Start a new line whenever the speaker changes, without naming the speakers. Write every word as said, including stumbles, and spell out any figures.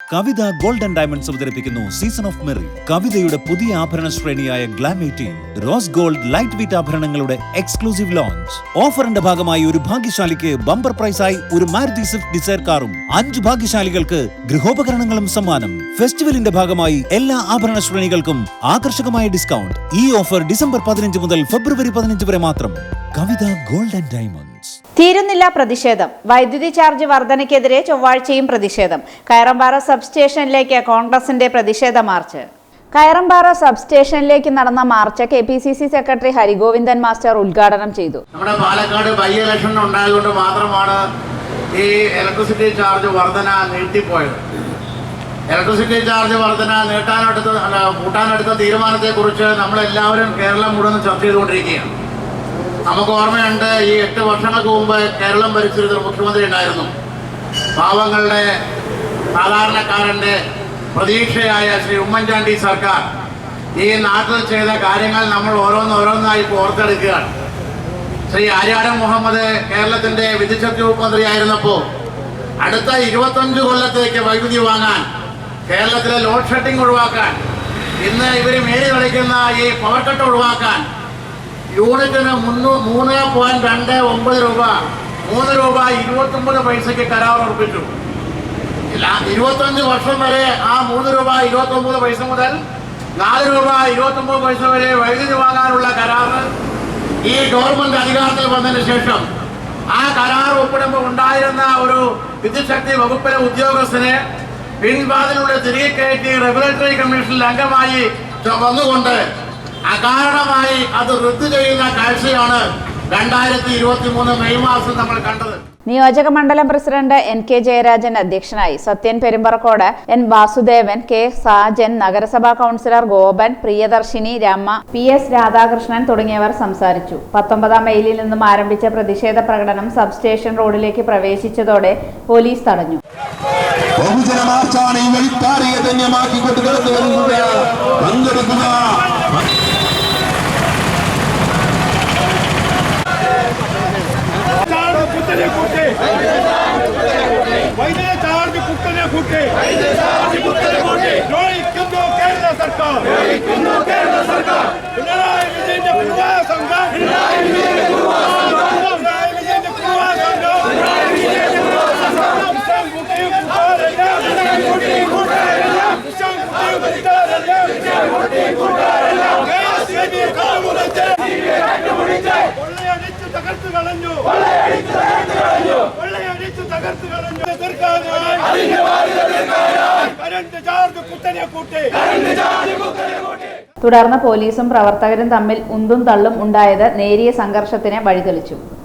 കവിത golden diamonds അവതരിപ്പിക്കുന്നു season of merry. കവിതയുടെ പുതിയ ആഭരണ ശ്രേണിയായ glam eighteen rose gold light weight ആഭരണങ്ങളുടെ എക്സ്ക്ലൂസീവ് ലോഞ്ച്. ഓഫറിന്റെ ഭാഗമായി ഒരു ഭാഗ്യശാലിക്ക് ബമ്പർ പ്രൈസായി ഒരു മാരുതി സ്വിഫ്റ്റ് ഡിസയർ കാറും അഞ്ച് ഭാഗ്യശാലികൾക്ക് ഗൃഹോപകരണങ്ങളും സമ്മാനം. ഫെസ്റ്റിവലിന്റെ ഭാഗമായി എല്ലാ ആഭരണ ശ്രേണികൾക്കും ആകർഷകമായ ഡിസ്കൗണ്ട്. ഈ ഓഫർ ഡിസംബർ പതിനഞ്ച് മുതൽ ഫെബ്രുവരി പതിനഞ്ച് വരെ മാത്രം. Kavitha gold and diamonds.
തീരുന്നില്ല പ്രതിഷേധം. വൈദ്യുതി ചാർജ് വർധനയ്ക്കെതിരെ ചൊവ്വാഴ്ചയും പ്രതിഷേധം. കയറമ്പാറ സബ് സ്റ്റേഷനിലേക്ക് കോൺഗ്രസിന്റെ പ്രതിഷേധ മാർച്ച്. കയറമ്പാറ സബ് സ്റ്റേഷനിലേക്ക് നടന്ന march K P C C secretary Harigovindan master ഉദ്ഘാടനം ചെയ്തു.
നമ്മുടെ പാലക്കാട് ബൈ ഇലക്ഷൻ ഉണ്ടായതുകൊണ്ട് മാത്രമാണ് ഈ ഇലക്ട്രിസിറ്റി ചാർജ് വർധന നീട്ടിപ്പോയത്. ഇലക്ട്രിസിറ്റി ചാർജ് വർധന നീട്ടാനെടുത്ത കൂട്ടാനെടുത്ത തീരുമാനത്തെക്കുറിച്ച് നമ്മളെല്ലാവരും കേരളം മുഴുവൻ ചർച്ച ചെയ്തുകൊണ്ടിരിക്കുകയാണ്. നമുക്ക് ഓർമ്മയുണ്ട്, ഈ എട്ട് വർഷങ്ങൾക്ക് മുമ്പ് കേരളം ഭരിച്ചിരുന്നൊരു മുഖ്യമന്ത്രി ഉണ്ടായിരുന്നു. പാവങ്ങളുടെ സാധാരണക്കാരൻ്റെ പ്രതീക്ഷയായ ശ്രീ ഉമ്മൻചാണ്ടി സർക്കാർ ഈ നാട്ടിൽ ചെയ്ത കാര്യങ്ങൾ നമ്മൾ ഓരോന്നോരോന്നായി ഓർത്തെടുക്കുകയാണ്. ശ്രീ ആര്യാടൻ മുഹമ്മദ് കേരളത്തിൻ്റെ വിദ്യുച്ഛക്തി വകുപ്പ് മന്ത്രിയായിരുന്നപ്പോൾ അടുത്ത ഇരുപത്തഞ്ച് കൊല്ലത്തേക്ക് വൈദ്യുതി വാങ്ങാൻ, കേരളത്തിലെ ലോഡ് ഷെഡിംഗ് ഒഴിവാക്കാൻ, ഇന്ന് ഇവർ മേരി കളിക്കുന്ന ഈ പവർ കട്ട് ഒഴിവാക്കാൻ യൂണിറ്റിന് മുന്നൂ മൂന്ന് പോയിന്റ് രണ്ട് ഒമ്പത് രൂപ മൂന്ന് രൂപ ഇരുപത്തൊമ്പത് പൈസയ്ക്ക് കരാർ ഉറപ്പിച്ചു. ഇരുപത്തഞ്ച് വർഷം വരെ ആ മൂന്ന് രൂപ ഇരുപത്തൊമ്പത് പൈസ മുതൽ നാല് രൂപ ഇരുപത്തൊമ്പത് പൈസ വരെ വൈദ്യുതി വാങ്ങാനുള്ള കരാറ് ഈ ഗവൺമെന്റ് അധികാരത്തിൽ വന്നതിന് ശേഷം ആ കരാർ ഒപ്പിടുമ്പോൾ ഉണ്ടായിരുന്ന ഒരു വിദ്യുച്ഛക്തി വകുപ്പിലെ ഉദ്യോഗസ്ഥനെ പിൻവാതിലൂടെ തിരികെ കയറ്റി റെഗുലേറ്ററി കമ്മീഷനിൽ അംഗമായി വന്നുകൊണ്ട് അകാരണമായി അത് റദ്ദു ചെയ്യുന്ന കാഴ്ചയാണ് രണ്ടായിരത്തി ഇരുപത്തി മൂന്ന് മെയ് മാസം നമ്മൾ കണ്ടത്.
നിയോജക മണ്ഡലം പ്രസിഡന്റ് എൻ കെ ജയരാജൻ അധ്യക്ഷനായി. സത്യൻ പെരുമ്പറക്കോട്, എൻ വാസുദേവൻ, കെ സാജൻ, നഗരസഭാ councillor Gopan, Priyadarshini, Rama, P S Radhakrishnan തുടങ്ങിയവർ സംസാരിച്ചു. പത്തൊമ്പതാം മൈലിൽ നിന്നും ആരംഭിച്ച പ്രതിഷേധ പ്രകടനം സബ് സ്റ്റേഷൻ റോഡിലേക്ക് പ്രവേശിച്ചതോടെ പോലീസ് തടഞ്ഞു.
വൈദ്യുതി ചാർജ് കുത്തനെ കൂട്ടി ദ്രോഹിക്കുന്നു കേരള സർക്കാർ. പിണറായി വിജയന്റെ പൂർവാ സംഘം പിണറായി വിജയന്റെ പൂർവാ കൊള്ളയടിച്ചു തകർത്തു കളഞ്ഞു കൊള്ളയടിച്ചു തകർത്തു കളഞ്ഞു കറണ്ട് ചാർജ് കുത്തനെ കൂട്ടി.
തുടർന്ന് പോലീസും പ്രവർത്തകരും തമ്മിൽ ഉന്തും തള്ളും ഉണ്ടായത് നേരിയ സംഘർഷത്തിന് വഴിതെളിച്ചു.